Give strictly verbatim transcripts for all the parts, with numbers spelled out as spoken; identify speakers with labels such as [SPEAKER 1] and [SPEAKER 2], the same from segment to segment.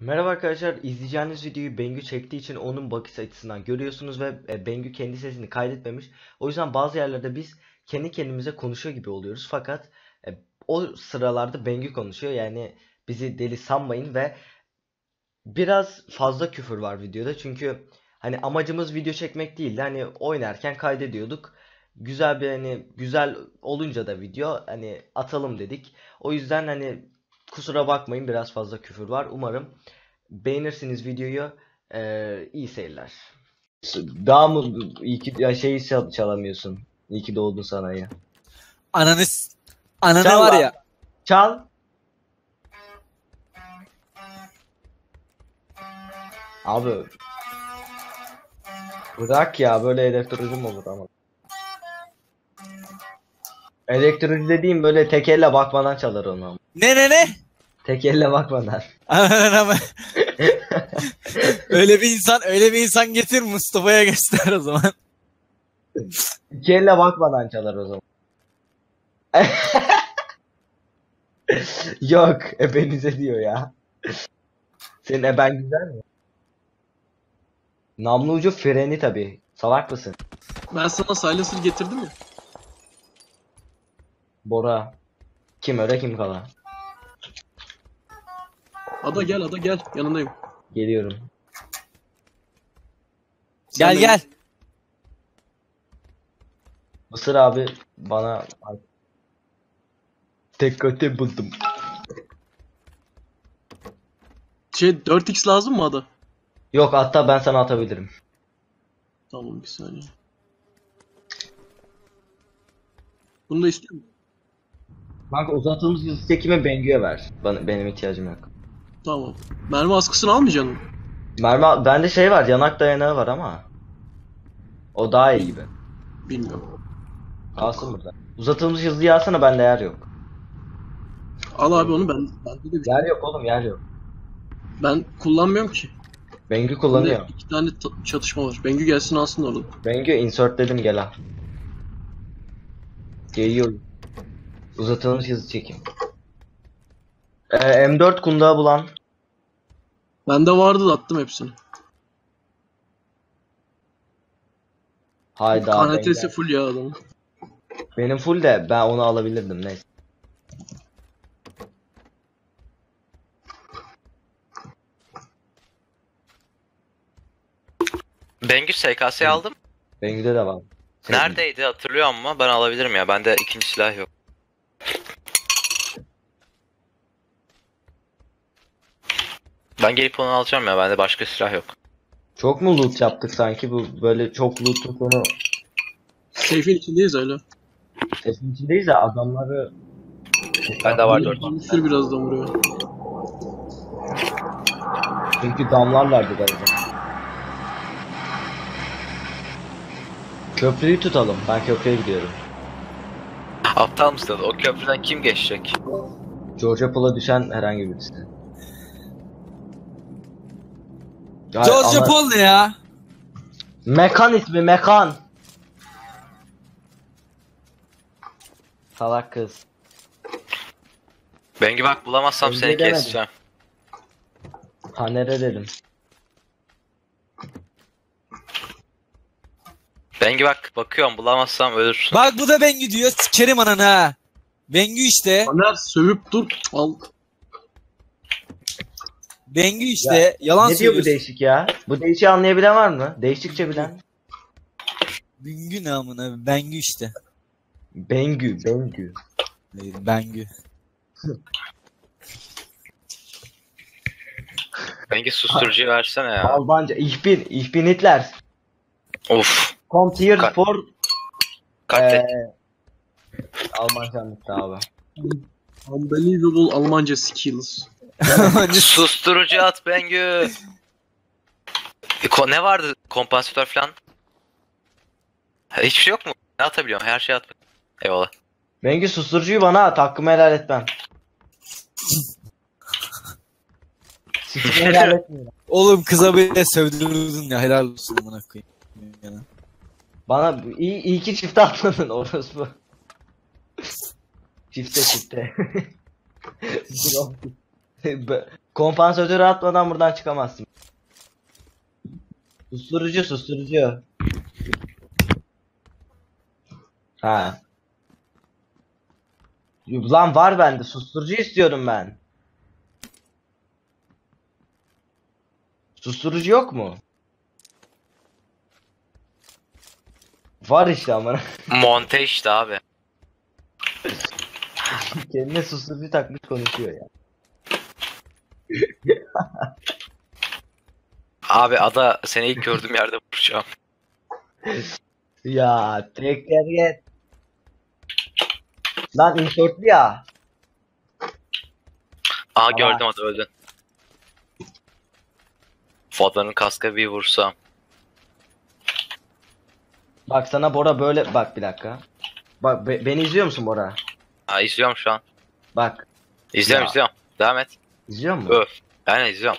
[SPEAKER 1] Merhaba arkadaşlar, izleyeceğiniz videoyu Bengü çektiği için onun bakış açısından görüyorsunuz ve e, Bengü kendi sesini kaydetmemiş. O yüzden bazı yerlerde biz kendi kendimize konuşuyor gibi oluyoruz. Fakat e, o sıralarda Bengü konuşuyor. Yani bizi deli sanmayın ve biraz fazla küfür var videoda. Çünkü hani amacımız video çekmek değildi. Hani oynarken kaydediyorduk. Güzel bir hani güzel olunca da video hani atalım dedik. O yüzden hani kusura bakmayın, biraz fazla küfür var. Umarım beğenirsiniz videoyu. Ee, iyi seyirler. Daha mı iyi ki ya şeyi çal- çalamıyorsun. İyi ki doğdun sanayi.
[SPEAKER 2] Ananı s- ananı
[SPEAKER 1] Çal
[SPEAKER 2] var
[SPEAKER 1] lan.
[SPEAKER 2] ya.
[SPEAKER 1] Çal. Abi bırak ya, böyle elektrocu mu olur ama. Elektrocu dediğim böyle tek elle bakmadan çalar onu ama.
[SPEAKER 2] Ne ne ne?
[SPEAKER 1] Tek elle bakmadan.
[SPEAKER 2] Ananı ama. Öyle bir insan, öyle bir insan getir Mustafa'ya göster o zaman.
[SPEAKER 1] İki elle bakmadan çalar o zaman. Yok, ebenize diyor ya. Senin eben güzel mi? Namlu ucu freni tabi. Salak mısın?
[SPEAKER 3] Ben sana silencer getirdim ya.
[SPEAKER 1] Bora. Kim öyle kim kala.
[SPEAKER 3] Ada gel, Ada gel. Yanındayım.
[SPEAKER 1] Geliyorum.
[SPEAKER 2] Gel
[SPEAKER 3] de-
[SPEAKER 2] gel.
[SPEAKER 1] Mısır abi bana tek kötü buldum.
[SPEAKER 3] Şey dört x lazım mı Ada?
[SPEAKER 1] Yok, hatta ben sana atabilirim.
[SPEAKER 3] Tamam bir saniye. Bunu da istiyor musun?
[SPEAKER 1] Kanka uzattığımız hızlı çekimi Bengü'ye ver. Bana, benim ihtiyacım yok.
[SPEAKER 3] Tamam. Mermi askısını almayacaksın mı?
[SPEAKER 1] Mermi bende şey var, yanak dayanağı var ama. O daha iyi gibi.
[SPEAKER 3] Bilmiyorum.
[SPEAKER 1] Kalsın burada. Uzatılmış hızlı yağsana, bende yer yok.
[SPEAKER 3] Al abi onu, ben bende de bir şey.
[SPEAKER 1] Yer yok oğlum, yer yok.
[SPEAKER 3] Ben kullanmıyorum ki.
[SPEAKER 1] Bengü
[SPEAKER 3] Bende
[SPEAKER 1] kullanıyor.
[SPEAKER 3] iki tane ta- çatışma var. Bengü gelsin alsın orada.
[SPEAKER 1] Bengü insert dedim, gel al. Geliyor. Uzatılmış hızlı çekim. Ee, M dört kundağı bulan.
[SPEAKER 3] Bende vardı da attım hepsini.
[SPEAKER 1] Hayda.
[SPEAKER 3] K N T'si
[SPEAKER 1] Bengü.
[SPEAKER 3] full ya adamın.
[SPEAKER 1] Benim full de ben onu alabilirdim, neyse.
[SPEAKER 4] Bengü S K S'yi aldım.
[SPEAKER 1] Bengü'de de var.
[SPEAKER 4] Neredeydi hatırlıyor ama ben alabilirim ya. Bende ikinci silah yok. Ben gelip onu alacağım ya. Bende başka silah yok.
[SPEAKER 1] Çok mu loot yaptık sanki, bu böyle çok loot'un sonu.
[SPEAKER 3] Safe'in içindeyiz öyle.
[SPEAKER 1] Sesin içindeyiz de adamları.
[SPEAKER 4] Bende var dört.
[SPEAKER 3] Bir sürü birazdan vuruyor.
[SPEAKER 1] Çünkü damlarlardı galiba. Köprüyü tutalım. Ben köprüye gidiyorum.
[SPEAKER 4] Aptal mısın? O köprüden kim geçecek?
[SPEAKER 1] Georgia Pool'a düşen herhangi birisi. Ya
[SPEAKER 2] George
[SPEAKER 1] ama-
[SPEAKER 2] Paul ne ya?
[SPEAKER 1] Mekan ismi, Mekan. Salak kız.
[SPEAKER 4] Bengü bak, bulamazsam
[SPEAKER 1] Bengü
[SPEAKER 4] seni
[SPEAKER 1] demedim.
[SPEAKER 4] keseceğim.
[SPEAKER 1] Tanere dedim.
[SPEAKER 4] Bengü bak, bakıyorum, bulamazsam ölürsün.
[SPEAKER 2] Bak bu da Bengü diyor. Sikerim ananı ha. Bengü işte.
[SPEAKER 3] Taner sövüp dur. Al.
[SPEAKER 2] Bengü işte. Yalan
[SPEAKER 1] Ne diyor bu
[SPEAKER 2] söylüyorsun.
[SPEAKER 1] değişik ya? Bu değişiği anlayabilen var mı? Değişikçe bilen.
[SPEAKER 2] Bengü ne amına? Bengü işte.
[SPEAKER 1] Bengü, Bengü.
[SPEAKER 2] Hayır, Bengü.
[SPEAKER 4] Bengü susturucuyu versene ya.
[SPEAKER 1] Almanca. Ich bin, ich bin Hitler.
[SPEAKER 4] Of.
[SPEAKER 1] Kommt hier
[SPEAKER 4] Ka-
[SPEAKER 1] for...
[SPEAKER 4] Katlet.
[SPEAKER 1] Eee... Almanca anlattı abi.
[SPEAKER 3] Unbelievable Almanca skills.
[SPEAKER 4] Susturucu at Bengü. E, ko- ne vardı? Kompansatör falan. Ha, hiçbir şey yok mu? Ne atabiliyorum? Her şeyi at. Eyvallah.
[SPEAKER 1] Bengü susturucuyu bana at, hakkımı helal etmem. Sikimi helal etmiyorum.
[SPEAKER 2] Oğlum kıza bile sövdürdün ya. Helal olsun amına koyayım. Yani.
[SPEAKER 1] Bana iyi, iyi ki çifte atmadın orospu. Çifte çifte. Kompansatörü atmadan buradan çıkamazsın. Susturucu susturucu. Ha. Lan var bende, susturucu istiyorum ben. Susturucu yok mu? Var işte ama.
[SPEAKER 4] Monte işte abi.
[SPEAKER 1] Kendine susturucu takmış konuşuyor ya.
[SPEAKER 4] Abi ada seni ilk gördüğüm yerde vuracağım.
[SPEAKER 1] Ya tekrar git. Lan insertli ya.
[SPEAKER 4] Aha gördüm ada öldün. Fodlan'ın kaska bir vursam.
[SPEAKER 1] Bak sana Bora böyle bak bir dakika. Bak be- beni izliyor musun Bora?
[SPEAKER 4] Ha izliyorum şu an.
[SPEAKER 1] Bak.
[SPEAKER 4] İzliyorum
[SPEAKER 1] Ya.
[SPEAKER 4] izliyorum. Devam et.
[SPEAKER 1] İzliyor musun?
[SPEAKER 4] Öf. Aynen izliyorum.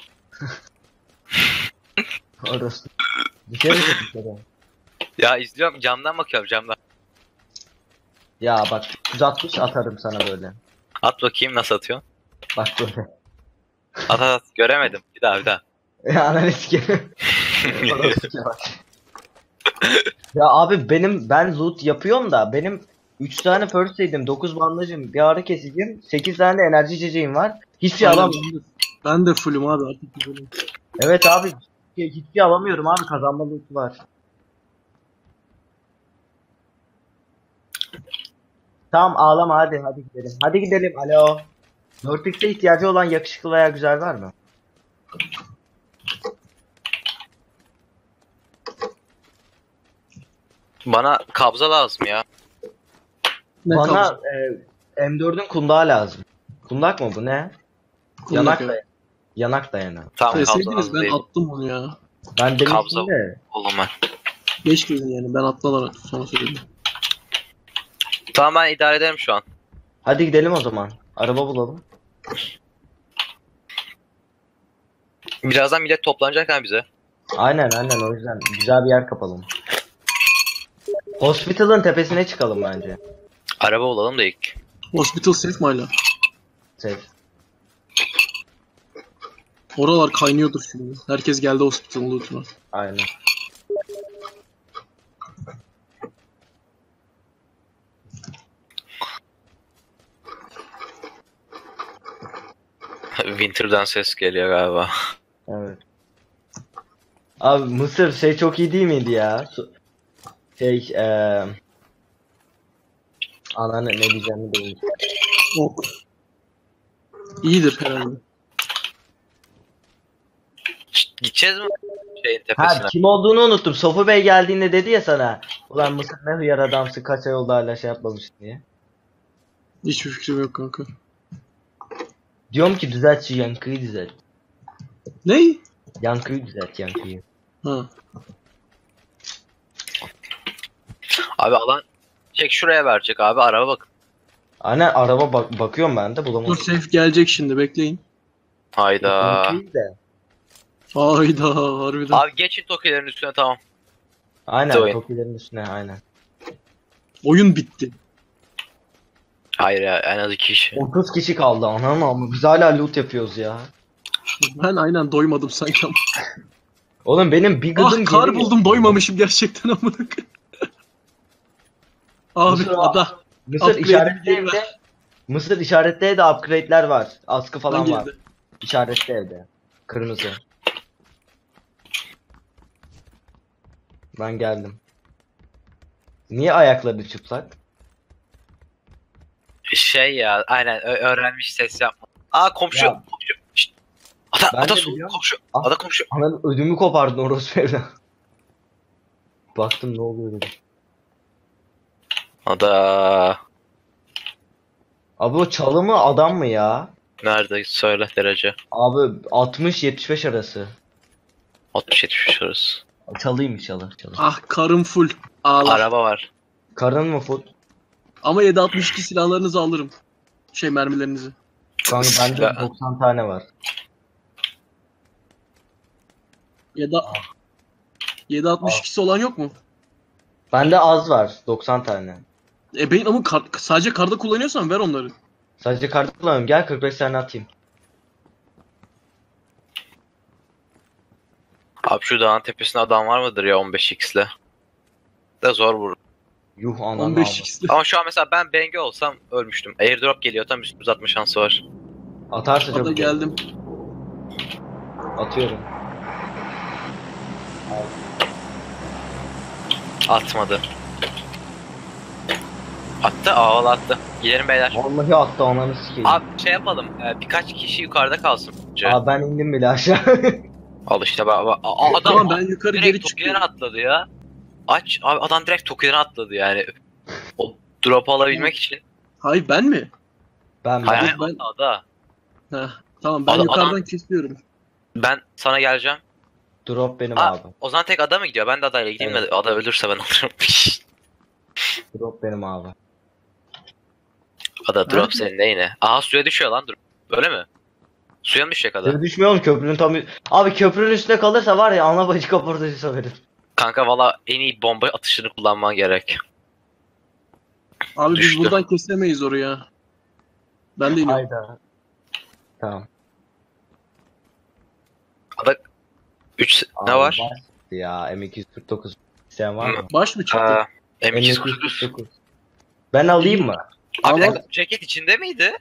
[SPEAKER 1] Orası. Dışarı çık dışarı.
[SPEAKER 4] Ya izliyorum camdan bakıyorum camdan.
[SPEAKER 1] Ya bak yüz altmış atarım sana böyle.
[SPEAKER 4] At bakayım nasıl atıyorsun.
[SPEAKER 1] Bak böyle.
[SPEAKER 4] At at at. Göremedim. Bir daha bir daha.
[SPEAKER 1] Ya analiz gibi. Ya abi benim ben loot yapıyorum da benim üç tane first aid'im, dokuz bandajım, bir ağrı kesicim, sekiz tane de enerji içeceğim var. Hiçbir şey
[SPEAKER 3] Aynen,
[SPEAKER 1] alamıyorum.
[SPEAKER 3] ben de- Ben de fullüm abi artık güzelim.
[SPEAKER 1] Evet abi hiçbir şey alamıyorum abi, kazanma loot'u var. Tamam ağlama, hadi hadi gidelim. Hadi gidelim, alo. dört x'e ihtiyacı olan yakışıklı veya güzel var mı?
[SPEAKER 4] Bana kabza lazım ya.
[SPEAKER 3] Ne
[SPEAKER 1] Bana
[SPEAKER 3] kaldı?
[SPEAKER 1] e, M dördün kundağı lazım. Kundak mı bu, ne? Yanak
[SPEAKER 3] ya.
[SPEAKER 1] da yanak dayanağı.
[SPEAKER 4] Tamam kabza
[SPEAKER 3] Deseydiniz
[SPEAKER 4] lazım
[SPEAKER 3] ben
[SPEAKER 4] değil.
[SPEAKER 3] attım onu ya.
[SPEAKER 1] Ben demiştim
[SPEAKER 4] Kabza.
[SPEAKER 1] de.
[SPEAKER 4] Oğlum ben.
[SPEAKER 3] Geç dedin yani, ben atmadan sonra söyledim.
[SPEAKER 4] Tamam ben idare ederim şu an.
[SPEAKER 1] Hadi gidelim o zaman. Araba bulalım.
[SPEAKER 4] Birazdan millet toplanacak ha bize.
[SPEAKER 1] Aynen aynen, o yüzden güzel bir yer kapalım. Hospital'ın tepesine çıkalım bence.
[SPEAKER 4] Araba olalım da ilk.
[SPEAKER 3] Hospital safe mi hala?
[SPEAKER 1] Safe.
[SPEAKER 3] Oralar kaynıyordur şimdi. Herkes geldi hospital'ın loot'una.
[SPEAKER 1] Aynen.
[SPEAKER 4] Winter'dan ses geliyor galiba.
[SPEAKER 1] Evet. Abi Mısır şey çok iyi değil miydi ya? Su- Şey eee Ananı ne diyeceğimi bilmiyorum.
[SPEAKER 3] Ok. İyidir herhalde.
[SPEAKER 4] Şşt, gideceğiz mi şeyin
[SPEAKER 1] Ha
[SPEAKER 4] tepesine?
[SPEAKER 1] kim olduğunu unuttum. Sofu Bey geldiğinde dedi ya sana. Ulan Mısır ne hıyar adamsın, kaç ay oldu hala şey yapmamışsın diye.
[SPEAKER 3] Hiçbir fikrim yok kanka.
[SPEAKER 1] Diyorum ki düzelt şu yankıyı düzelt.
[SPEAKER 3] Ney?
[SPEAKER 1] Yankıyı düzelt, yankıyı.
[SPEAKER 3] Ha.
[SPEAKER 4] Abi alan çek şuraya verecek abi araba bak.
[SPEAKER 1] Aynen araba bak bakıyorum ben de
[SPEAKER 3] Dur
[SPEAKER 1] bulamadım.
[SPEAKER 3] safe gelecek şimdi, bekleyin.
[SPEAKER 4] Hayda.
[SPEAKER 1] Yankıyı de.
[SPEAKER 3] Hayda harbiden.
[SPEAKER 4] Abi geçin tokilerin üstüne tamam.
[SPEAKER 1] Aynen
[SPEAKER 4] Oyun.
[SPEAKER 1] Tokilerin üstüne aynen.
[SPEAKER 3] Oyun bitti.
[SPEAKER 4] Hayır ya en az iki kişi.
[SPEAKER 1] otuz kişi kaldı anam, ama biz hala loot yapıyoruz ya.
[SPEAKER 3] Ben aynen doymadım sanki ama.
[SPEAKER 1] Oğlum benim bir gıdım
[SPEAKER 3] Ah kar
[SPEAKER 1] geliyor.
[SPEAKER 3] buldum, doymamışım gerçekten amına koyayım. Abi
[SPEAKER 1] Mısır-
[SPEAKER 3] ada.
[SPEAKER 1] Mısır
[SPEAKER 3] Upgrade
[SPEAKER 1] işaretli
[SPEAKER 3] bir
[SPEAKER 1] evde. Mısır işaretli evde upgrade'ler var. Askı falan
[SPEAKER 3] Hangi
[SPEAKER 1] var.
[SPEAKER 3] evde?
[SPEAKER 1] İşaretli evde. Kırmızı. Ben geldim. Niye ayakları çıplak?
[SPEAKER 4] Şey ya aynen ö- öğrenmiş ses yapma. Aa komşu.
[SPEAKER 1] Ya.
[SPEAKER 4] Komşu. Şşt. Ada,
[SPEAKER 1] Ben
[SPEAKER 4] ada
[SPEAKER 1] de
[SPEAKER 4] su,
[SPEAKER 1] biliyorum.
[SPEAKER 4] komşu.
[SPEAKER 1] Ah.
[SPEAKER 4] Ada komşu.
[SPEAKER 1] Ananın ödümü kopardın orospu evden. Baktım ne oluyor dedim.
[SPEAKER 4] Ada.
[SPEAKER 1] Abi o çalı mı adam mı ya?
[SPEAKER 4] Nerede söyle derece.
[SPEAKER 1] Abi altmış yetmiş beş arası.
[SPEAKER 4] altmış yetmiş arası.
[SPEAKER 1] Çalıymış çalı. çalı.
[SPEAKER 3] Ah karım full. Ağlar.
[SPEAKER 4] Araba var.
[SPEAKER 1] Karın mı fut?
[SPEAKER 3] Ama yedi altmış iki silahlarınızı alırım. Şey mermilerinizi.
[SPEAKER 1] Kanka bende
[SPEAKER 4] Silah-
[SPEAKER 1] doksan tane var.
[SPEAKER 3] Ya da yedi altmış ikisi olan yok mu?
[SPEAKER 1] Bende az var. doksan tane.
[SPEAKER 3] E benim ama kar- sadece karda kullanıyorsan ver onları.
[SPEAKER 1] Sadece kart kullanıyorum. Gel kırk beş tane atayım.
[SPEAKER 4] Abi şu dağın tepesinde adam var mıdır ya on beş x'le? De zor vurur.
[SPEAKER 1] Yuh ananı
[SPEAKER 3] on beş
[SPEAKER 1] aldım.
[SPEAKER 3] x'li.
[SPEAKER 4] Ama şu an mesela ben Bengü olsam ölmüştüm. Airdrop geliyor tam üstümüze atma şansı var.
[SPEAKER 1] Atarsa
[SPEAKER 3] Ada
[SPEAKER 1] çok
[SPEAKER 3] geldim.
[SPEAKER 1] atıyorum.
[SPEAKER 4] Atmadı. Attı, ağıl attı. Gidelim beyler.
[SPEAKER 1] Vallahi attı ananı sikeyim.
[SPEAKER 4] Abi şey yapalım, e, birkaç kişi yukarıda kalsın.
[SPEAKER 1] Abi ben indim bile aşağı.
[SPEAKER 4] Al işte bak, bak. A- adam
[SPEAKER 3] Tamam ben yukarı geri
[SPEAKER 4] direkt
[SPEAKER 3] çıkıyorum.
[SPEAKER 4] Toki'den atladı ya. Aç, abi adam direkt Toki'den atladı yani. O drop'u alabilmek için.
[SPEAKER 3] Hayır ben mi?
[SPEAKER 1] Ben
[SPEAKER 4] Hayır,
[SPEAKER 1] ben.
[SPEAKER 4] hayır,
[SPEAKER 3] ben-
[SPEAKER 4] ada.
[SPEAKER 3] Heh, tamam ben
[SPEAKER 4] Adam-
[SPEAKER 3] yukarıdan
[SPEAKER 4] adam-
[SPEAKER 3] kesiyorum.
[SPEAKER 4] Ben sana geleceğim.
[SPEAKER 1] Drop benim
[SPEAKER 4] Aa,
[SPEAKER 1] abi.
[SPEAKER 4] o zaman tek ada mı gidiyor? Ben de adayla gideyim
[SPEAKER 1] Evet.
[SPEAKER 4] de ada ölürse ben alırım.
[SPEAKER 1] Drop benim abi.
[SPEAKER 4] Ada drop
[SPEAKER 3] Nerede?
[SPEAKER 4] senin de yine. Aha suya düşüyor lan drop. Öyle mi? Suya mı düşecek ada?
[SPEAKER 1] Suya düşmüyor mu köprünün tam... Abi köprünün üstüne kalırsa var ya ana bacı kaportacı söverim.
[SPEAKER 4] Kanka valla en iyi bomba atışını kullanman gerek.
[SPEAKER 3] Abi
[SPEAKER 4] Düştü.
[SPEAKER 3] biz buradan kesemeyiz oraya. Ben de iniyorum.
[SPEAKER 1] Hayda. Tamam.
[SPEAKER 4] Ada üç ne
[SPEAKER 1] Abi
[SPEAKER 4] var?
[SPEAKER 1] Ya M iki yüz kırk dokuz isteyen var mı?
[SPEAKER 3] Baş mı çıktı?
[SPEAKER 4] Aa, M
[SPEAKER 1] M
[SPEAKER 4] iki
[SPEAKER 1] iki
[SPEAKER 4] yüz
[SPEAKER 1] yüz
[SPEAKER 4] kırk dokuz.
[SPEAKER 1] kırk dokuz. Ben alayım mı?
[SPEAKER 4] Abi bir
[SPEAKER 3] Ama-
[SPEAKER 4] dakika, ceket içinde miydi?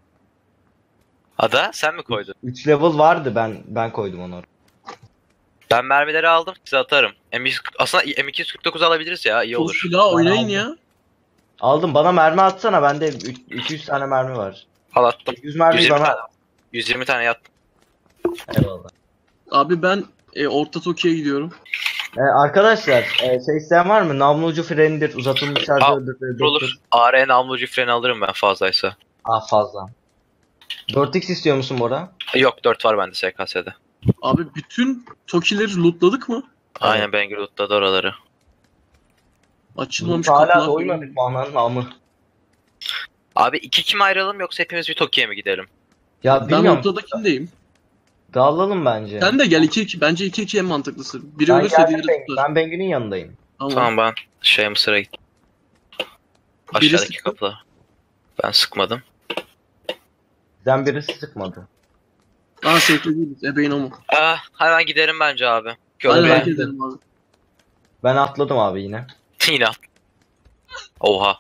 [SPEAKER 4] Ada sen mi koydun?
[SPEAKER 1] üç level vardı ben ben koydum onu.
[SPEAKER 4] Ben mermileri aldım size atarım. M iki yüz aslında M iki yüz kırk dokuz alabiliriz ya iyi
[SPEAKER 3] Çok
[SPEAKER 4] olur.
[SPEAKER 3] silah oynayın
[SPEAKER 1] aldım.
[SPEAKER 3] ya.
[SPEAKER 1] Aldım bana mermi atsana bende üç- iki yüz tane mermi var.
[SPEAKER 4] Al attım.
[SPEAKER 1] yüz mermi
[SPEAKER 4] yüz yirmi
[SPEAKER 1] bana.
[SPEAKER 4] tane. yüz yirmi tane yat.
[SPEAKER 1] Eyvallah.
[SPEAKER 3] Abi ben e, Orta Tokyo'ya gidiyorum.
[SPEAKER 1] Ee, arkadaşlar e, şey isteyen var mı? Namlu ucu frenidir, uzatılmış şarjördür.
[SPEAKER 4] Olur olur. A R namlucu freni alırım ben fazlaysa.
[SPEAKER 1] Aa fazla. dört x istiyor musun Bora?
[SPEAKER 4] Yok dört var bende S K S'de.
[SPEAKER 3] Abi bütün Toki'leri lootladık mı?
[SPEAKER 4] Aynen ben Loot'ta da oraları.
[SPEAKER 3] Açılmamış
[SPEAKER 1] Hala
[SPEAKER 3] kapılar.
[SPEAKER 1] doymadık mı ananın amı?
[SPEAKER 4] Abi iki kime ayrılalım yoksa hepimiz bir Toki'ye mi gidelim?
[SPEAKER 1] Ya
[SPEAKER 3] Ben
[SPEAKER 1] bilmiyorum.
[SPEAKER 3] ortadakindeyim.
[SPEAKER 1] Dağılalım bence.
[SPEAKER 3] Sen de gel iki iki. Bence iki iki en mantıklısı. Biri
[SPEAKER 1] ben
[SPEAKER 3] ölürse
[SPEAKER 1] geldim
[SPEAKER 3] diğeri
[SPEAKER 1] ben,
[SPEAKER 3] tutar.
[SPEAKER 1] ben Bengü'nün yanındayım.
[SPEAKER 3] Tamam.
[SPEAKER 4] Tamam ben şey Mısır'a gittim. Aşağıdaki
[SPEAKER 3] Birisi-
[SPEAKER 4] kapıda. Ben sıkmadım.
[SPEAKER 1] Bizden birisi sıkmadı.
[SPEAKER 3] Aa safe'de değiliz. Ebeğin o mu?
[SPEAKER 4] Ah, hemen giderim bence abi.
[SPEAKER 3] Hadi
[SPEAKER 4] Köprüye.
[SPEAKER 3] hareket edelim abi.
[SPEAKER 1] Ben atladım abi yine.
[SPEAKER 4] Yine at. Oha.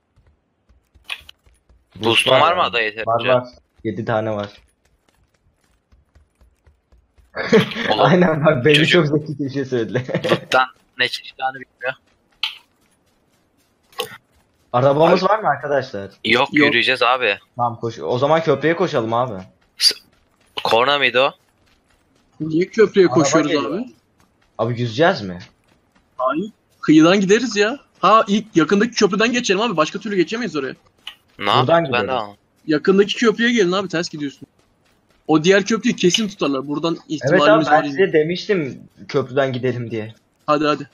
[SPEAKER 4] Boost'un var mı ada
[SPEAKER 1] Var
[SPEAKER 4] yeterince?
[SPEAKER 1] var. yedi tane var.
[SPEAKER 4] Oğlum,
[SPEAKER 1] Aynen bak beni
[SPEAKER 4] çocuk-
[SPEAKER 1] çok zeki bir şey söyledi.
[SPEAKER 4] Loot'tan ne çıkacağını bilmiyor.
[SPEAKER 1] Arabamız var mı arkadaşlar?
[SPEAKER 4] Yok,
[SPEAKER 3] Yok.
[SPEAKER 4] yürüyeceğiz abi.
[SPEAKER 1] Tamam koş. O zaman köprüye koşalım abi.
[SPEAKER 4] Korna mıydı o?
[SPEAKER 3] Niye köprüye
[SPEAKER 1] Araba
[SPEAKER 3] koşuyoruz
[SPEAKER 1] geliyor.
[SPEAKER 3] abi?
[SPEAKER 1] Abi yüzeceğiz mi?
[SPEAKER 3] Hayır. Kıyıdan gideriz ya. Ha ilk yakındaki köprüden geçelim abi. Başka türlü geçemeyiz oraya.
[SPEAKER 4] Ne
[SPEAKER 1] Buradan
[SPEAKER 4] yapayım ben de
[SPEAKER 1] gideriz.
[SPEAKER 4] anlamadım.
[SPEAKER 3] Yakındaki köprüye gelin abi. Ters gidiyorsun. O diğer köprüyü kesin tutarlar. Buradan
[SPEAKER 1] Evet abi
[SPEAKER 3] ihtimalimiz
[SPEAKER 1] ben
[SPEAKER 3] var.
[SPEAKER 1] size
[SPEAKER 3] yani.
[SPEAKER 1] demiştim köprüden gidelim diye.
[SPEAKER 3] Hadi hadi.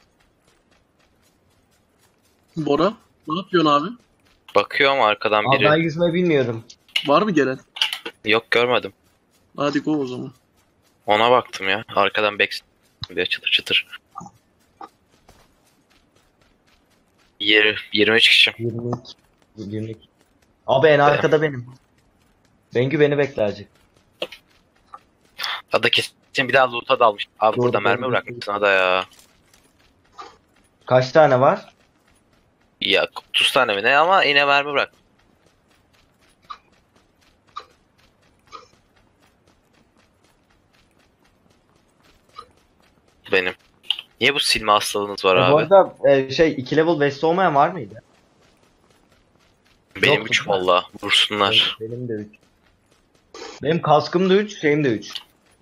[SPEAKER 3] Bora. Ne yapıyorsun abi?
[SPEAKER 4] Bakıyorum arkadan
[SPEAKER 1] Abi
[SPEAKER 4] biri.
[SPEAKER 1] ben yüzme bilmiyorum.
[SPEAKER 3] Var mı gelen?
[SPEAKER 4] Yok görmedim.
[SPEAKER 3] Hadi go o zaman.
[SPEAKER 4] Ona baktım ya. Arkadan back bir çıtır çıtır. Yirmi, yirmi üç kişi.
[SPEAKER 1] yirmi iki. yirmi iki. Abi en arkada benim. Bengü beni bekle azıcık.
[SPEAKER 4] Ada kesin bir daha loot'a dalmış. Abi
[SPEAKER 1] Doğru,
[SPEAKER 4] burada
[SPEAKER 1] doğru.
[SPEAKER 4] mermi bırakmışsın ada ya.
[SPEAKER 1] Kaç tane var?
[SPEAKER 4] Ya otuz tane mi ne ama yine mermi bırak. Benim. Niye bu silme hastalığınız var
[SPEAKER 1] E, bu
[SPEAKER 4] abi?
[SPEAKER 1] arada e, şey iki level vest olmayan var mıydı?
[SPEAKER 4] Benim
[SPEAKER 1] yoktu
[SPEAKER 4] üç
[SPEAKER 1] değil mi?
[SPEAKER 4] valla. Vursunlar.
[SPEAKER 1] Benim, benim de üç. Benim kaskım da üç, şeyim de üç.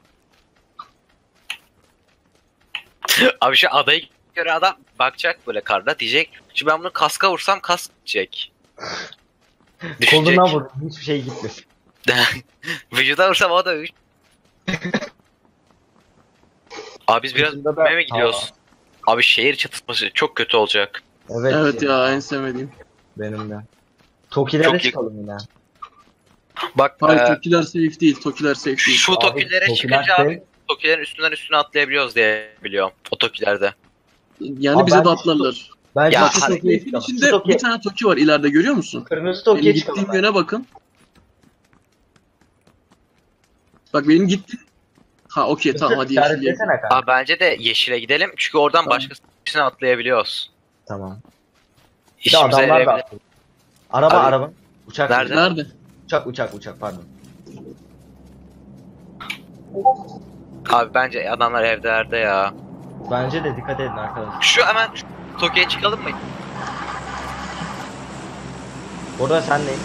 [SPEAKER 4] Abi şu adayı göre adam bakacak böyle karda diyecek. Şimdi ben bunu kaska vursam kask gidecek. Düşecek.
[SPEAKER 1] Koluna vurdum hiçbir şey gitmesin.
[SPEAKER 4] Vücuda vursam o da üç. Abi biz biraz
[SPEAKER 1] Vücudunda da-
[SPEAKER 4] büyümeye mi gidiyoruz? Abi şehir çatışması çok kötü olacak.
[SPEAKER 1] Evet,
[SPEAKER 3] Evet ya en sevmediğim.
[SPEAKER 1] benim de. Tokilere
[SPEAKER 4] Çok iyi.
[SPEAKER 1] çıkalım yine.
[SPEAKER 4] Bak
[SPEAKER 3] Hayır
[SPEAKER 4] e,
[SPEAKER 3] Tokiler safe değil. Tokiler safe değil.
[SPEAKER 4] şu
[SPEAKER 1] Abi,
[SPEAKER 4] tokilere
[SPEAKER 1] Tokiler
[SPEAKER 4] çıkınca
[SPEAKER 1] safe.
[SPEAKER 4] abi tokilerin üstünden üstüne atlayabiliyoruz diye biliyorum. O tokilerde.
[SPEAKER 3] Yani
[SPEAKER 1] Abi
[SPEAKER 3] bize de
[SPEAKER 1] ben-
[SPEAKER 3] atlarlar.
[SPEAKER 1] Bence
[SPEAKER 4] Ya,
[SPEAKER 1] şu
[SPEAKER 4] hani-
[SPEAKER 1] Toki'ye
[SPEAKER 3] Safe'in
[SPEAKER 1] çıkalım. Şu
[SPEAKER 3] içinde
[SPEAKER 1] Toki,
[SPEAKER 3] bir tane Toki var ileride görüyor musun?
[SPEAKER 1] kırmızı
[SPEAKER 3] Benim
[SPEAKER 1] Toki'ye
[SPEAKER 3] gittiğim
[SPEAKER 1] çıkalım.
[SPEAKER 3] yöne bakın. Bak benim gittiğim Ha okey tamam hadi yeşil diyelim.
[SPEAKER 1] İşaretlesene kanka.
[SPEAKER 4] Abi bence de yeşile gidelim. Çünkü oradan
[SPEAKER 3] Tamam.
[SPEAKER 4] başkasına atlayabiliyoruz.
[SPEAKER 1] Tamam. Bir de
[SPEAKER 4] İşimize
[SPEAKER 1] adamlar da
[SPEAKER 4] yarayabilir.
[SPEAKER 1] atladı. Araba
[SPEAKER 4] Abi-
[SPEAKER 1] araba. Uçak.
[SPEAKER 4] Nerede?
[SPEAKER 3] Nerede?
[SPEAKER 1] Uçak uçak uçak pardon.
[SPEAKER 4] Abi bence adamlar evlerde ya.
[SPEAKER 1] Bence de dikkat edin arkadaşlar.
[SPEAKER 4] Şu hemen şu Tokyo'ya çıkalım mı?
[SPEAKER 1] Burada senleyim.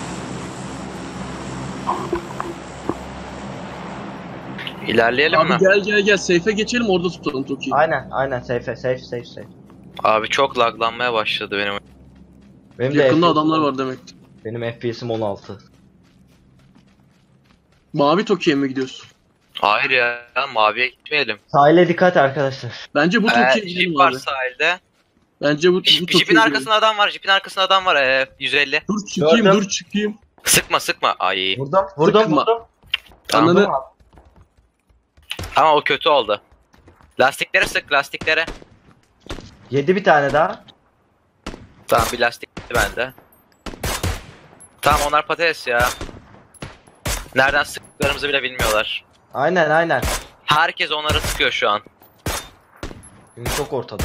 [SPEAKER 4] İlerleyelim
[SPEAKER 3] Abi
[SPEAKER 4] mi?
[SPEAKER 3] gel gel gel safe'e geçelim orada tutalım Toki'yi.
[SPEAKER 1] Aynen aynen safe safe safe safe.
[SPEAKER 4] Abi çok laglanmaya başladı benim.
[SPEAKER 1] Benim de
[SPEAKER 3] Yakında
[SPEAKER 1] F P S
[SPEAKER 3] adamlar var demek.
[SPEAKER 1] Benim F P S'im on altı.
[SPEAKER 3] Mavi Toki'ye mi gidiyorsun?
[SPEAKER 4] Hayır ya, maviye gitmeyelim.
[SPEAKER 1] Sahile dikkat arkadaşlar.
[SPEAKER 3] Bence bu
[SPEAKER 4] Ee,
[SPEAKER 3] Toki'ye
[SPEAKER 4] Jeep
[SPEAKER 3] gidelim
[SPEAKER 4] var
[SPEAKER 3] abi.
[SPEAKER 4] sahilde.
[SPEAKER 3] Bence bu, bu
[SPEAKER 4] Jeep-
[SPEAKER 3] Toki'ye
[SPEAKER 4] Jeep'in
[SPEAKER 3] gidelim.
[SPEAKER 4] arkasında adam var. Jeep'in arkasında adam var. Ee, yüz elli.
[SPEAKER 3] Dur çıkayım
[SPEAKER 1] Gördüm.
[SPEAKER 3] dur çıkayım.
[SPEAKER 4] Sıkma sıkma. Ay.
[SPEAKER 1] Vurdum vurdum
[SPEAKER 3] Sıkma.
[SPEAKER 1] vurdum.
[SPEAKER 4] Tamam.
[SPEAKER 3] Ananı
[SPEAKER 1] Vurdum abi.
[SPEAKER 4] Ama o kötü oldu. Lastiklere sık, lastiklere.
[SPEAKER 1] Yedi bir tane daha.
[SPEAKER 4] Tamam, bir lastik gitti bende. Tamam, onlar patates ya. Nereden sıktıklarımızı bile bilmiyorlar.
[SPEAKER 1] Aynen aynen.
[SPEAKER 4] Herkes onlara sıkıyor şu an.
[SPEAKER 1] Çünkü çok ortada.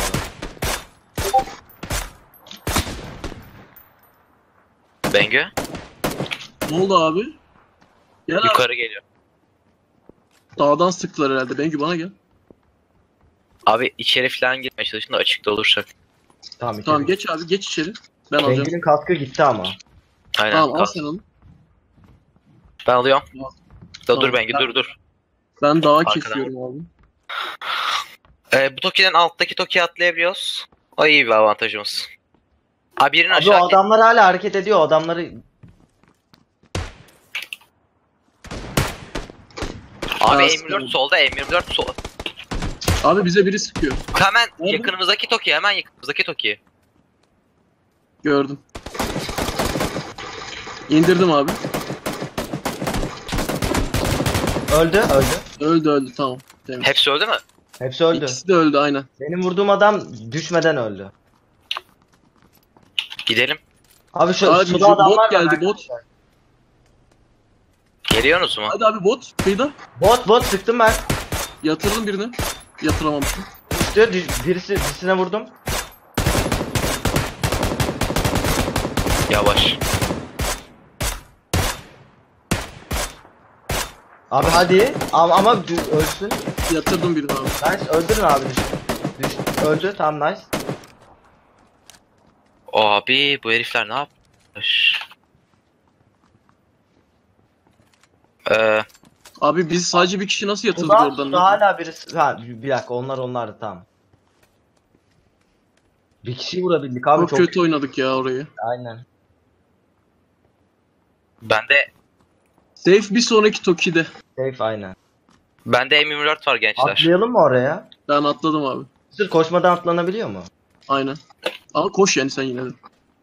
[SPEAKER 4] Bengü
[SPEAKER 3] ne oldu abi? Gel abi.
[SPEAKER 4] yukarı geliyor.
[SPEAKER 3] Dağdan sıktılar herhalde. Bengü bana gel.
[SPEAKER 4] Abi içeri falan girmeye çalışın da açıkta olursak.
[SPEAKER 1] Tamam,
[SPEAKER 3] Tamam
[SPEAKER 1] içeri.
[SPEAKER 3] geç abi geç içeri. Ben alacağım.
[SPEAKER 1] Bengü'nün kaskı gitti ama.
[SPEAKER 4] Aynen.
[SPEAKER 3] Tamam al
[SPEAKER 4] kal.
[SPEAKER 3] sen onu.
[SPEAKER 4] Ben alıyorum.
[SPEAKER 3] Al.
[SPEAKER 4] Da
[SPEAKER 3] Tamam.
[SPEAKER 4] dur Bengü, dur dur.
[SPEAKER 3] Ben dağa
[SPEAKER 4] Arkadan.
[SPEAKER 3] kesiyorum abi.
[SPEAKER 4] Ee, bu Toki'den alttaki Toki'ye atlayabiliyoruz. O iyi bir avantajımız. Abi birinin
[SPEAKER 1] Abi o
[SPEAKER 4] aşağı
[SPEAKER 1] adamlar hala hareket ediyor. O adamları
[SPEAKER 4] Abi
[SPEAKER 3] Aa,
[SPEAKER 4] M yirmi dört
[SPEAKER 3] sıkıyorum.
[SPEAKER 4] solda, M yirmi dört sol.
[SPEAKER 3] Abi bize biri sıkıyor.
[SPEAKER 4] Hemen
[SPEAKER 3] Nerede?
[SPEAKER 4] yakınımızdaki Toki, hemen yakınımızdaki Toki.
[SPEAKER 3] Gördüm. İndirdim abi.
[SPEAKER 1] öldü öldü.
[SPEAKER 3] Öldü öldü tamam. Temiz.
[SPEAKER 4] Hepsi öldü mü?
[SPEAKER 1] Hepsi öldü.
[SPEAKER 3] İkisi de öldü aynen.
[SPEAKER 1] Benim vurduğum adam düşmeden öldü.
[SPEAKER 4] Gidelim.
[SPEAKER 1] Abi şu
[SPEAKER 3] Abi
[SPEAKER 1] suda
[SPEAKER 3] şu
[SPEAKER 1] adamlar
[SPEAKER 3] bot
[SPEAKER 1] var
[SPEAKER 3] geldi,
[SPEAKER 1] arkadaşlar.
[SPEAKER 3] bot.
[SPEAKER 4] Geliyorsunuz mu?
[SPEAKER 3] Hadi abi bot kıyıda.
[SPEAKER 1] Bot bot sıktım ben.
[SPEAKER 3] Yatırdım birini. Yatıramamışım.
[SPEAKER 1] Düştü. düş- Birisi birisine vurdum.
[SPEAKER 4] Yavaş.
[SPEAKER 1] Abi hadi. Ama, ama dü- ölsün.
[SPEAKER 3] Yatırdım birini abi.
[SPEAKER 1] Nice. Öldürün abi. Düş. Düş. Öldü. Tamam nice.
[SPEAKER 4] Abi bu herifler ne yapmış? Ee,
[SPEAKER 3] Abi biz sadece bir kişi nasıl yatırdık
[SPEAKER 1] Suda,
[SPEAKER 3] oradan?
[SPEAKER 1] suda hala birisi. Ha bir dakika onlar onlardı tamam. Bir kişiyi vurabildik abi
[SPEAKER 3] Çok,
[SPEAKER 1] çok.
[SPEAKER 3] kötü oynadık ya orayı.
[SPEAKER 1] Aynen.
[SPEAKER 4] bende
[SPEAKER 3] Safe bir sonraki Toki'de.
[SPEAKER 1] Safe aynen.
[SPEAKER 4] bende M yirmi dört var gençler.
[SPEAKER 1] Atlayalım mı oraya?
[SPEAKER 3] Ben atladım abi.
[SPEAKER 1] Sırf koşmadan atlanabiliyor mu?
[SPEAKER 3] Aynen. Ama koş yani sen yine de.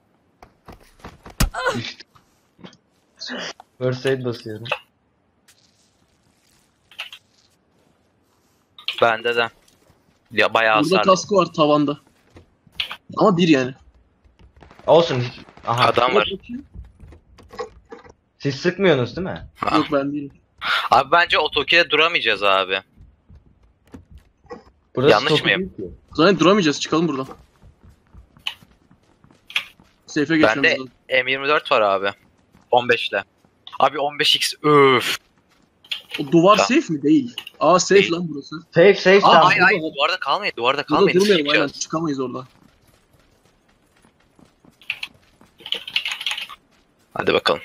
[SPEAKER 1] First aid basıyorum.
[SPEAKER 4] Bende de. Ya bayağı
[SPEAKER 3] Burada
[SPEAKER 4] hasarlı.
[SPEAKER 3] kaskı var tavanda. Ama bir yani.
[SPEAKER 1] Olsun. hiç- Aha.
[SPEAKER 4] Adam var.
[SPEAKER 1] Siz sıkmıyorsunuz değil mi?
[SPEAKER 4] Ha.
[SPEAKER 3] Yok ben değilim.
[SPEAKER 4] Abi bence o Toki'de duramayacağız abi.
[SPEAKER 1] Burası
[SPEAKER 4] Yanlış
[SPEAKER 1] çok
[SPEAKER 4] mıyım?
[SPEAKER 1] büyük ki.
[SPEAKER 3] Zaten duramayacağız çıkalım buradan. Safe'e geçmemiz
[SPEAKER 4] Bende
[SPEAKER 3] lazım.
[SPEAKER 4] M yirmi dört var abi. on beş ile. Abi on beş x öf.
[SPEAKER 3] O duvar
[SPEAKER 4] Tamam.
[SPEAKER 3] safe mi? Değil. Aa safe
[SPEAKER 4] Değil.
[SPEAKER 3] lan burası.
[SPEAKER 1] Safe safe
[SPEAKER 3] Aa,
[SPEAKER 1] tamam.
[SPEAKER 4] Ay ay duvarda kalmayın, duvarda
[SPEAKER 3] Burada
[SPEAKER 4] kalmayın.
[SPEAKER 3] durmayalım aynen.
[SPEAKER 4] Çıkacağız.
[SPEAKER 3] Çıkamayız oradan.
[SPEAKER 4] Hadi bakalım.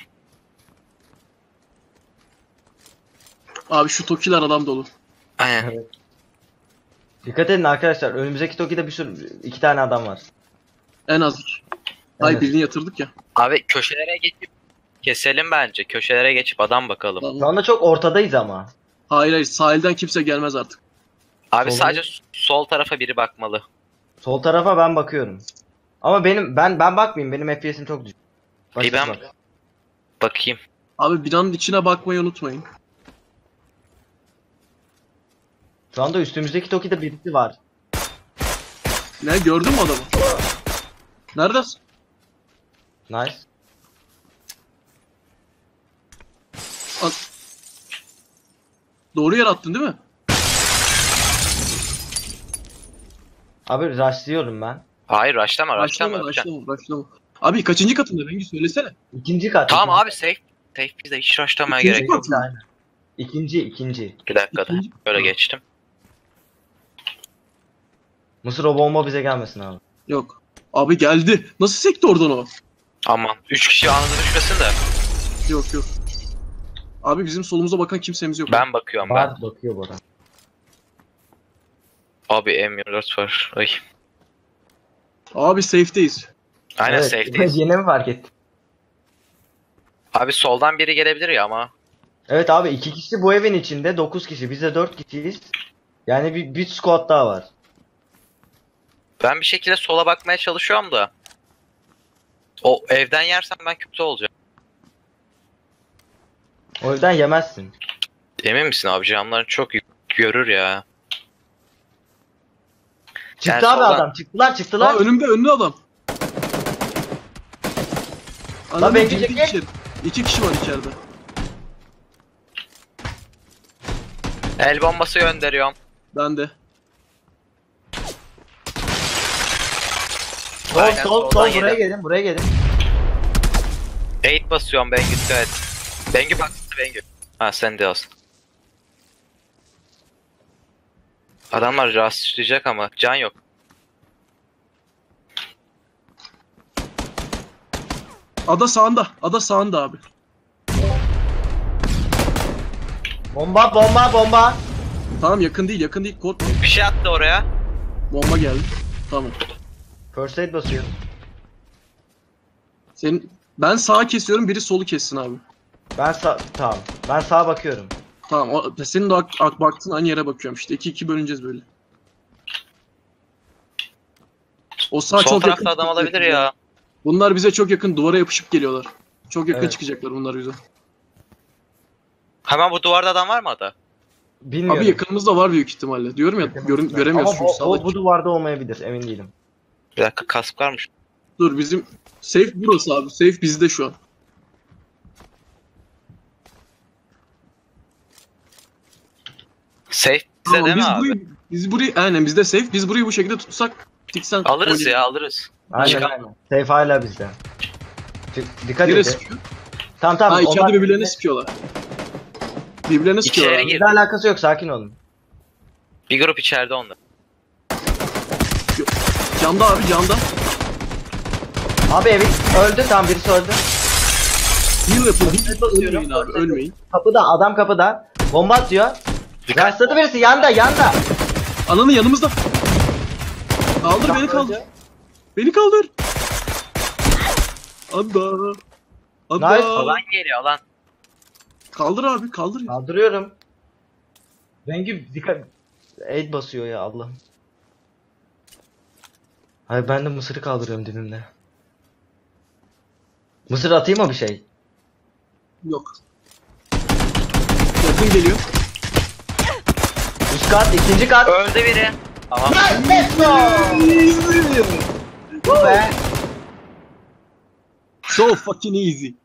[SPEAKER 3] Abi şu Tokiler adam dolu.
[SPEAKER 4] Aynen.
[SPEAKER 1] Dikkat edin arkadaşlar. Önümüzdeki Toki'de bir sürü iki tane adam var.
[SPEAKER 3] En az iki. Ay
[SPEAKER 1] Evet.
[SPEAKER 3] birini yatırdık ya.
[SPEAKER 4] Abi köşelere geçip keselim bence. Köşelere geçip adam bakalım.
[SPEAKER 3] Tamam.
[SPEAKER 1] Şu anda çok ortadayız ama.
[SPEAKER 3] Hayır hayır sahilden kimse gelmez artık.
[SPEAKER 4] Abi
[SPEAKER 1] Solda-
[SPEAKER 4] sadece sol tarafa biri bakmalı.
[SPEAKER 1] Sol tarafa ben bakıyorum. Ama benim ben ben bakmayayım. Benim F P S'im çok düşük.
[SPEAKER 4] İyi, ben-
[SPEAKER 1] Başkası bak.
[SPEAKER 4] Bakayım.
[SPEAKER 3] Abi binanın içine bakmayı unutmayın.
[SPEAKER 1] Şu anda üstümüzdeki Toki'de birisi var.
[SPEAKER 3] Ne gördün mü adamı? Neredesin?
[SPEAKER 1] Nice.
[SPEAKER 3] Doğru yer attın değil mi?
[SPEAKER 1] Abi rushlıyorum ben.
[SPEAKER 4] Hayır rushlama rushlama.
[SPEAKER 3] Başlama başlama başlama. Abi kaçıncı katında Bengü söylesene.
[SPEAKER 1] İkinci kat.
[SPEAKER 4] Tamam
[SPEAKER 1] ikinci
[SPEAKER 4] abi safe. Safe bizde hiç rushlamaya
[SPEAKER 3] İkinci
[SPEAKER 4] gerek yok.
[SPEAKER 3] kat mı?
[SPEAKER 1] Aynen. İkinci, ikinci.
[SPEAKER 4] Bir dakikada.
[SPEAKER 3] İkinci-
[SPEAKER 4] Böyle
[SPEAKER 3] Tamam.
[SPEAKER 4] geçtim.
[SPEAKER 1] Mısır o bomba bize gelmesin abi.
[SPEAKER 3] Yok. Abi geldi. Nasıl sekti oradan o?
[SPEAKER 4] Aman. Üç kişi anında düşmesin de.
[SPEAKER 3] Yok yok. Abi bizim solumuza bakan kimsemiz yok.
[SPEAKER 4] Ben bakıyorum ben.
[SPEAKER 1] Var bakıyor bu adam.
[SPEAKER 4] Abi M yirmi dört var. Ay.
[SPEAKER 3] Abi safe'deyiz.
[SPEAKER 4] Aynen
[SPEAKER 1] Evet,
[SPEAKER 4] safe'deyiz.
[SPEAKER 1] Yine mi fark ettin?
[SPEAKER 4] Abi soldan biri gelebilir ya ama.
[SPEAKER 1] Evet abi iki kişi bu evin içinde, dokuz kişi. Biz de dört kişiyiz. Yani bir, bir squad daha var.
[SPEAKER 4] Ben bir şekilde sola bakmaya çalışıyorum da. O evden yersem ben kötü olacağım.
[SPEAKER 1] O yüzden yemezsin.
[SPEAKER 4] Emin misin abi? Camlar çok yük- görür ya.
[SPEAKER 1] Çıktı
[SPEAKER 4] Yani
[SPEAKER 1] abi
[SPEAKER 4] soldan-
[SPEAKER 1] adam. Çıktılar
[SPEAKER 3] Aa
[SPEAKER 1] çıktılar.
[SPEAKER 3] önümde önümde adam. Ananı
[SPEAKER 1] Bengü
[SPEAKER 3] girdi
[SPEAKER 1] çekil.
[SPEAKER 3] içeri. İki kişi var içeride.
[SPEAKER 4] El bombası gönderiyorum.
[SPEAKER 3] Ben de.
[SPEAKER 1] Sol
[SPEAKER 4] Aynen,
[SPEAKER 1] sol
[SPEAKER 4] soldan
[SPEAKER 1] sol
[SPEAKER 4] yedim.
[SPEAKER 1] buraya gelin buraya gelin.
[SPEAKER 4] eight basıyorum Bengü. Evet. Bengü baktı Bengü. Ha sen de olsun. Adamlar rastlayacak ama can yok.
[SPEAKER 3] Ada sağında. Ada sağında abi.
[SPEAKER 1] Bomba bomba bomba.
[SPEAKER 3] Tamam yakın değil yakın değil. Korkma.
[SPEAKER 4] Bir şey attı oraya.
[SPEAKER 3] Bomba geldi. Tamam.
[SPEAKER 1] First aid basıyor.
[SPEAKER 3] Senin ben sağa kesiyorum biri solu kessin abi.
[SPEAKER 1] Ben sağ tamam. Ben sağa bakıyorum.
[SPEAKER 3] Tamam. O, senin de ak, ak baktığın aynı yere bakıyorum işte. İki iki bölüneceğiz böyle. O sağ
[SPEAKER 4] Sol
[SPEAKER 3] çok
[SPEAKER 4] tarafta
[SPEAKER 3] yakın.
[SPEAKER 4] adam olabilir ya.
[SPEAKER 3] Bunlar bize çok yakın duvara yapışıp geliyorlar. Çok yakın
[SPEAKER 1] Evet.
[SPEAKER 3] çıkacaklar bunlar bize.
[SPEAKER 4] Hemen bu duvarda adam var mı ada?
[SPEAKER 1] Bilmiyorum.
[SPEAKER 3] Abi yakınımızda var büyük ihtimalle. Diyorum ya görün, göremiyoruz
[SPEAKER 1] Ama
[SPEAKER 3] çünkü
[SPEAKER 1] bu,
[SPEAKER 3] sağdaki.
[SPEAKER 1] o, bu duvarda olmayabilir emin değilim.
[SPEAKER 4] Bir dakika kask varmış.
[SPEAKER 3] Dur bizim safe burası abi. Safe bizde şu an.
[SPEAKER 4] Safe bize
[SPEAKER 3] Tamam,
[SPEAKER 4] değil mi
[SPEAKER 3] biz
[SPEAKER 4] abi?
[SPEAKER 3] burayı, biz burayı aynen bizde safe. Biz burayı bu şekilde tutsak tiksen
[SPEAKER 4] Alırız ya alırız.
[SPEAKER 1] Aynen
[SPEAKER 4] Çıkar.
[SPEAKER 1] aynen. Safe hala bizde. Çık- Dikkat
[SPEAKER 3] Nereye
[SPEAKER 1] edin.
[SPEAKER 3] sıkıyor?
[SPEAKER 1] Tamam tamam.
[SPEAKER 3] Ha içeride
[SPEAKER 1] onlar-
[SPEAKER 3] birbirlerine sıkıyorlar. Birbirlerine sıkıyorlar.
[SPEAKER 4] İçeri
[SPEAKER 3] abi.
[SPEAKER 4] gir.
[SPEAKER 1] Bizle alakası yok sakin olun.
[SPEAKER 4] Bir grup içeride onda.
[SPEAKER 3] Camda abi camda.
[SPEAKER 1] Abi evi öldü tamam birisi öldü.
[SPEAKER 3] Heal yapın.
[SPEAKER 1] Evet, basıyorum.
[SPEAKER 3] Ölmeyin abi ölmeyin.
[SPEAKER 1] Kapıda adam kapıda. Bomba atıyor.
[SPEAKER 4] Dikkat.
[SPEAKER 1] Rastladı birisi yanda yanda.
[SPEAKER 3] Ananın yanımızda. Kaldır beni kaldır.
[SPEAKER 1] Öldü.
[SPEAKER 3] Beni kaldır. Ada. Ada.
[SPEAKER 1] Nice.
[SPEAKER 4] Alan geliyor lan.
[SPEAKER 3] Kaldır abi kaldır.
[SPEAKER 1] Kaldırıyorum. Rengi dikkat. Aid basıyor ya Allah'ım. Hayır ben de mısırı kaldırıyorum dibimde. Mısır atayım mı bir şey?
[SPEAKER 3] Yok. Yakın geliyor.
[SPEAKER 1] Üst kat, ikinci kat.
[SPEAKER 4] Öldü biri. Tamam.
[SPEAKER 1] Let's go! Bu be.
[SPEAKER 3] So fucking easy.